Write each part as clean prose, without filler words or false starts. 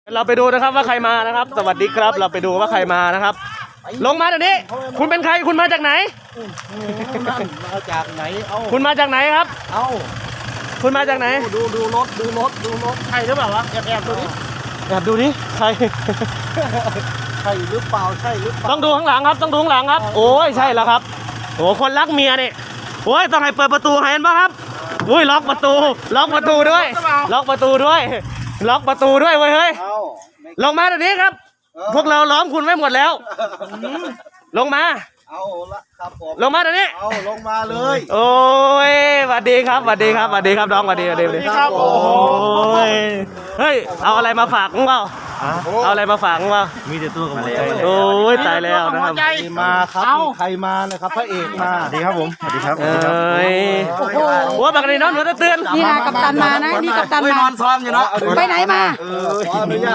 เราไปดูนะครับว่าใครมานะครับสวัสดีครับเราไปดูว่าใครมานะครับลงมาเดี๋ยวนี้คุณเป็นใครคุณมาจากไหนมาจากไหนคุณมาจากไหนครับคุณมาจากไหนดูรถใช่หรือเปล่าวะแอบดูดิแอบดูดิใครใช่หรือเปล่าต้องดูข้างหลังครับต้องดูข้างหลังครับโอ้ยใช่แล้วครับโอ้คนรักเมียนี่โอ้ยต้องให้เปิดประตูเห็นป่ะครับอุ้ยล็อกประตูด้วยล็อกประตูด้วยล็อกประตูด้วยเว้ยเฮ้ยลงมาเดี๋ยวนี้ครับพวกเราล้อมคุณไว้หมดแล้วลงมาเอาละครับผมลงมาเดี๋ยวนี้เอาลงมาเลยโอ้ยสวัสดีครับน้องสวัสดีครับโอ้ยเฮ้ยเอาอะไรมาฝากมึงเปล่าเอาอะไรมาฝากมึงเปล่ามีแต่ตัวกับหัวใจโอ้ยตายแล้วนะครับมาครับใครมานะครับพระเอกมาสวัสดีครับผมสวัสดีครับโอ้บักนี่น้องหนูจะเตือนนี่นะกัปตันมานะนี่กัปตันมานอนซ้อมอยู่เนาะไปไหนมาขออนุญาต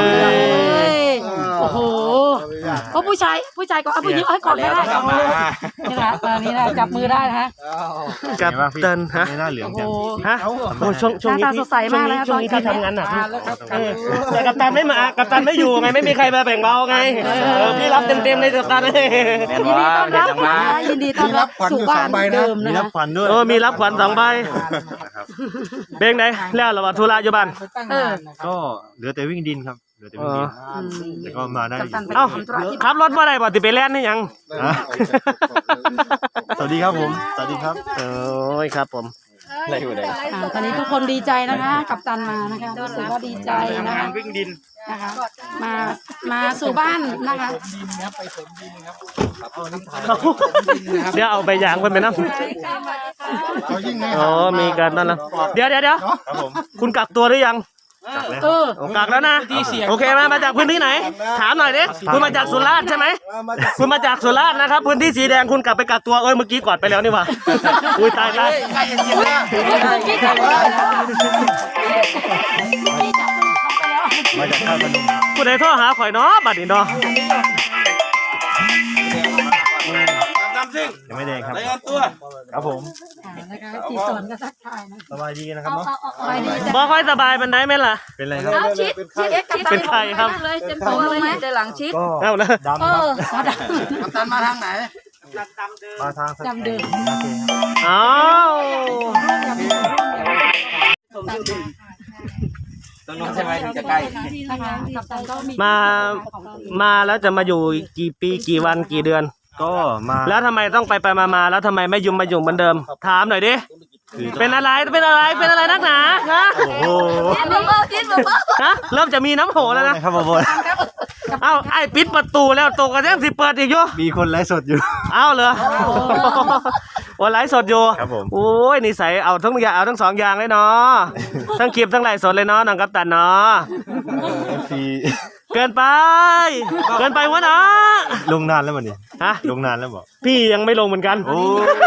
โอ้โหก็ผู้ชายก็เอาผู้หญิงให้กอดไม่ได้นี่นะนี่นะจับมือได้นะฮะกัปตันฮะหน้าเหลืองจังฮะโอ้ช่วงนี้พี่ทำงานหนักแต่กัปตันไม่มากัปตันไม่อยู่ไงไม่มีใครมาแบ่งเบาไงพี่รับเต็มในกัปตันเลยยินดีต้อนรับสู่บ้านเดิมนะมีรับขวัญด้วยมีรับขวัญ2 ใบเบงไหนแล้วเราธุระอยู่บ้านก็เหลือแต่วิ่งดินครับเหลือแต่วิ่งดินแต่ก็มาได้เอ้าขับรถมาได้บ่ติไปแล่นนี่ยังสวัสดีครับผมสวัสดีครับโอ้ยครับผมอะไรอยู่ไหนตอนนี้ทุกคนดีใจนะคะกัปตันมานะคะรู้สึกว่าดีใจนะคะวิ่งดินนะคะมาสู่บ้านนะคะไปสมดินครับเดี๋ยวเอาใบยางไปน้ำอ๋อมีการนั่นแล้วเดี๋ยวคุณกักตัวหรือยังกักแล้วนะโอเคมาจากพื้นที่ไหนถามหน่อยดิคุณมาจากสุราษฎร์ใช่ไหมคุณมาจากสุราษฎร์นะครับพื้นที่สีแดงคุณกลับไปกักตัวเมื่อกี้กอดไปแล้วนี่วะอุ้ยตายมาจากท่าพนมคุณไอ้ท่อหาข่อยเนาะบัดนี้เนาะยังไม่แดงครับครับผมนะคะที่สอนก็ทักทายนะสบายดีนะครับเนาะบ่ค่อยสบายมันได้ไหมล่ะเป็นไรครับชิดเป็นใครครับเลยเต็มตัวเลยแต่หลังชิดเอาละดำครับกัปตันมาทางไหนมาทางดำเดิมอ้าวตรงนู้นใช่ไหมถึงจะใกล้มาแล้วจะมาอยู่กี่ปีกี่วันกี่เดือนก็มาแล้วทำไมต้องไปมาแล้วทำไมไม่ยุ่งเหมือนเดิมถามหน่อยดิเป็นอะไรนักหนาฮะโอ้โหฮะเริ่มจะมีน้ำโหแล้วนะครับผมเอ้าไอ้ปิดประตูแล้วตกกันยังสิเปิดอีกอยู่มีคนไลฟ์สดอยู่เอ้าเหรอวันไลฟ์สดอยู่ครับผมโอ้ยนิสัยเอาทั้ง2 อย่างเลยเนาะทั้งคลิปทั้งไลฟ์สดเลยเนาะน้องกัปตันเนาะเกินไปวะเนาะลงนานแล้วมันนี่ฮะลงนานแล้วบอกพี่ยังไม่ลงเหมือนกันโอ้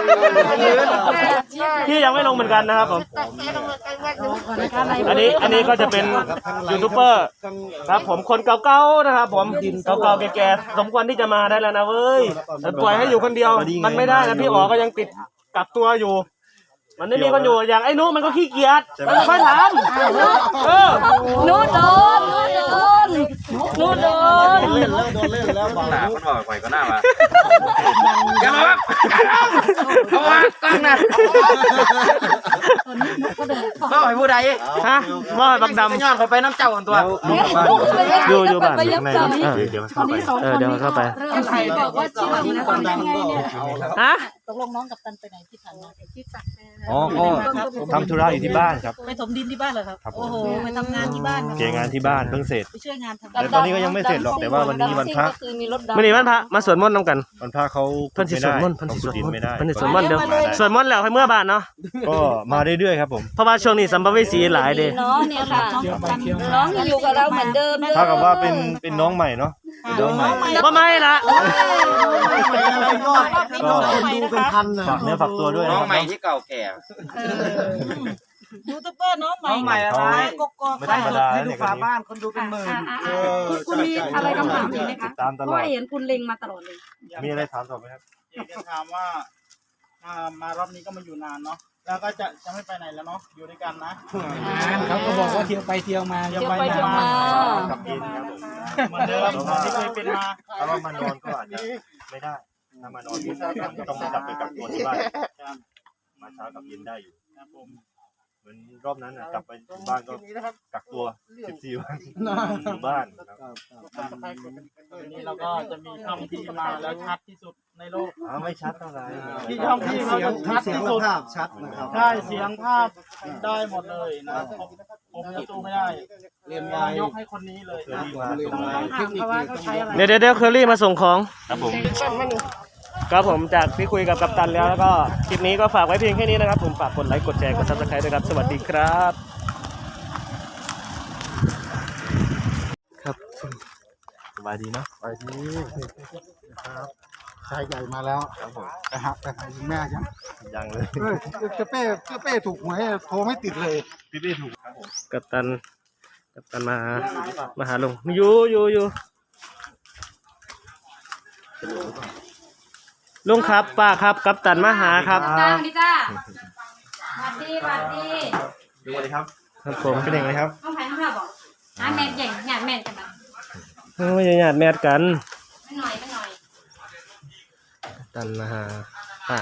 พี่ยังไม่ลงเหมือนกันนะครับผมอันนี้ก็จะเป็นยูทูบเบอร์ครับผมคนเก่าๆนะครับผมเก่าๆแก่ๆสมควรที่จะมาได้แล้วนะเว้ยปล่อยให้อยู่คนเดียวมันไม่ได้นะพี่อ๋อก็ยังติดกักตัวอยู่มันไม่มีคนอยู่อย่างไอ้นุมันก็ขี้เกียจมันค่อยทำนุโดนเล่นแล้วบางหนามันบอกไปก็น่ามาอย่ามาครับเอามาตั้งนะก็ให้ผู้ใดฮะว่าบักดำย้อนไปน้ำเจ้าของตัวอยู่บ้านเดี๋ยวเข้าไปใครบอกว่าชื่อนะคนดังฮะตกลงน้องกัปตันไปไหนที่ถังที่ตักอ๋อก็ทำธุระอยู่ที่บ้านครับไปถมดินที่บ้านเหรอครับโอ้โหไปทำงานที่บ้านเกี่ยงานที่บ้านเพิ่งเสร็จไปช่วยงานแต่ตอนนี้ก็ยังไม่เสร็จหรอกแต่ว่าวันนี้วันพระวันนี้วันพระมาสวดมนต์นำกันวันพระเขาเพิ่นสิสวดมนต์ไม่ได้เพิ่นสิสวดมนต์เดี๋ยวสวดมนต์แล้วให้เมื่อบ้านเนาะก็มาเรื่อยๆครับผมเพราะว่าช่วงนี้สัมภเวสีหลายเด้น้องเนี่ยค่ะน้องอยู่กับเราเหมือนเดิมเท่ากับว่าเป็นน้องใหม่เนาะน้องใหม่บ่ไม่ละก็ดูเป็นพันนะฝากเนื้อฝากตัวด้วยน้องใหม่ที่เก่าแก่ยูทูบเบอร์น้องใหม่อะไรกกอกให้ดูฝาบ้านคนดูเป็นหมื่นคุณมีอะไรคำถามอีกไหมคะเพราะเห็นคุณเล็งมาตลอดเลยมีอะไรถามต่อไหมครับจะถามว่ามารอบนี้ก็มาอยู่นานเนาะแล้วก็จะไม่ไปไหนแล้วเนาะอยู่ด้วยกันนะเขาก็บอกว่าเที่ยวไปเที่ยวมาเที่ยวไปเที่ยวมาเหมือนเดิมที่เคยเป็นมาถ้าว่ามานอนก็อาจจะไม่ได้ถ้ามานอนก็ต้องกลับไปกักตัวที่บ้านมาเช้ากับเย็นได้อยู่ครับผมเหมือนรอบนั้นกลับไปถึงบ้านก็กักตัว14 วันอยู่บ้านครับวันนี้เราก็จะมีช่องที่มาแล้วชัดที่สุดในโลกไม่ชัดเท่าไหร่ที่ช่องที่เขาจะชัดที่สุดภาพชัดนะครับใช่เสียงภาพได้หมดเลยนะผมจะสู้ไม่ได้เรียนมไว้ยกให้คนนี้เลยเคยรีบมาเรียนไว้เทคนิคนี้ต้องเดี๋ยวเคอรี่มาส่งของครับผมครับผมจากที่คุยกับกัปตันแล้วก็คลิปนี้ก็ฝากไว้เพียงแค่นี้นะครับผมฝากกดไลค์กดแชร์กด Subscribe ด้วยครับสวัสดีครับครับสบายดีเนาะไปดีครับชายใหญ่มาแล้วครับผมไปหาคุณแม่ยังยังเลยเป้ถูกหวยโทรไม่ติดเลยพี่ถูกครับผมกัปตันมาหาลุงอยู่ลุงครับป้าครับกัปตันมาหาครับจ้าดีจ้าสวัสดีดูเลยครับครับผมเป็นยังไงครับต้องแพ้ต้องข้าบอกหาแม่ใหญ่หยาดแม่กันนะไม่ใช่ญาติแมทกันไม่หน่อยกัปตันมาหาป้า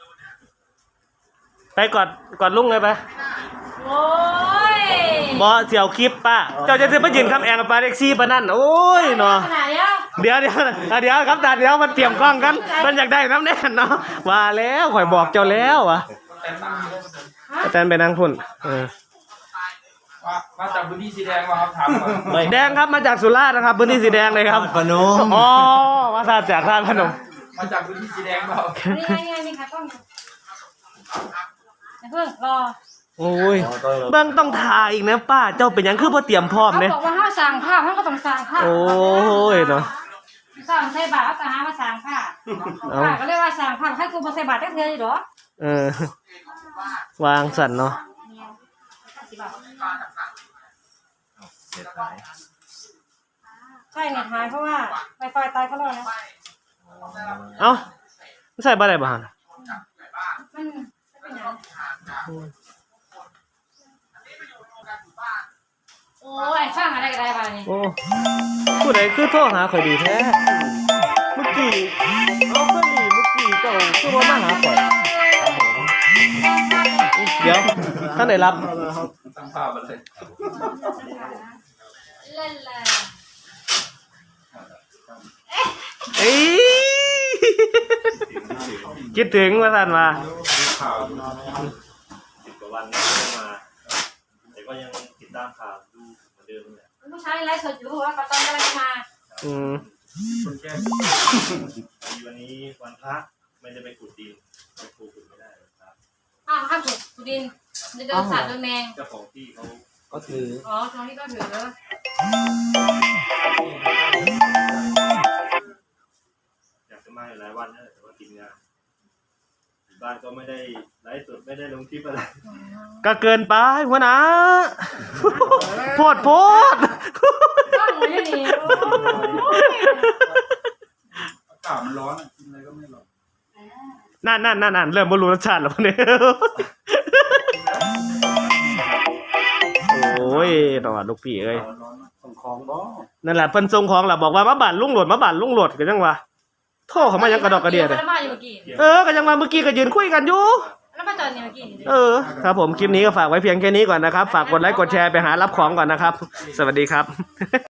ไปกอดลุงเลยไปโอ้ยบอเสี่ยวคลิปป้าเจ้าจะซื้อไปยืนคำแองกับปลาเด็กซี่ปะนั่นโอ้ยเนาะขนาดเนี้ยเดี๋ยวครับตาเดี๋ยวมันเตรียมกล้องกันมันอยากได้น้ำแน่นเนาะว่าแล้วข่อยบอกเจ้าแล้ววะอาจารย์ไปนั่งพุ่นมาจากพื้นที่สีแดงมาครับถามก่อนแดงครับมาจากสุราษฎร์นะครับพื้นที่สีแดงเลยครับพนมอ๋อมาจากท่าพนมมาจากพื้นที่สีแดงเปล่านี่ค่ะต้องเพิ่งรอโอ้ยเบิ่งต้องถ่ายอีกนะป้าเจ้าเป็นหยังคือบ่เตรียมพร้อมเขาเนี่ยบอกว่าห้าสั่งผ้าเขาก็ต้องสั่งผ้าโอ้ยเนาะสั่งใส่บาตรก็หามาสั่งผ้าผ้าก็เรียกว่าสั่งผ้าให้กูมาใส่บาตรได้เท่าไหร่หรอวางสั่นเนาะใช่เน็ตหายเพราะว่าไวไฟตายเขาเลยนะเอ้าใส่บ่ได้บ่ฮะมันเป็นอย่างโอ้ยช่างอะไรกันได้บ้างนี่โอ้ผู้ใดคือโทรหาข่อยดีแท้เมื่อกี้เอาเครื่องดีเมื่อกี้เจ้าคือบ่มาหาข่อยเดี๋ยวท่านได้รับตั้งภาพมาเลยเล่นเลยเอ้ยคิดถึงว่าท่านมาข่าว 10 กว่าวันไม่ได้มาแต่ก็ยังติดตามข่าวดูเหมือนเดิมเลยผู้ชายไลฟ์สดอยู่ว่าปะตอนกำลังมาคนแก้วันนี้วันพระไม่ได้ไปขุดดินไปขุดไม่ได้ครับอ้าวข้ามสุดสุดินจะเดินสัตว์เดินแมงเจ้าของที่เขาก็ถืออ๋อตรงนี้ก็ถืออยากจะมาอยู่หลายวันนะแต่ว่าติดงานอยู่บ้านก็ไม่ได้ไลฟ์สดไม่ได้ลงคลิปอะไรก็เกินไปหัวหน้าโพดก็เหมือนนี่อากาศมันร้อนกินอะไรก็ไม่หรอกนั่นเริ่มบรรลุรสชาติแล้วเนี่ยโอ้ยตอดลูกพี่เอ้ยส่งของบ่นั่นแหละเพิ่นส่งของล่ะบอกว่ามาบ้านลุงโหลดก็ยังว่าโทรเขามายังกระดอกกระเดียดแล้วมาอยู่เมื่อกี้ก็ยังมาเมื่อกี้ก็ยืนคุยกันอยู่แล้วมาจอดนี่เมื่อกี้ครับผมคลิปนี้ก็ฝากไว้เพียงแค่นี้ก่อนนะครับฝากกดไลค์กดแชร์ไปหารับของก่อนนะครับสวัสดีครับ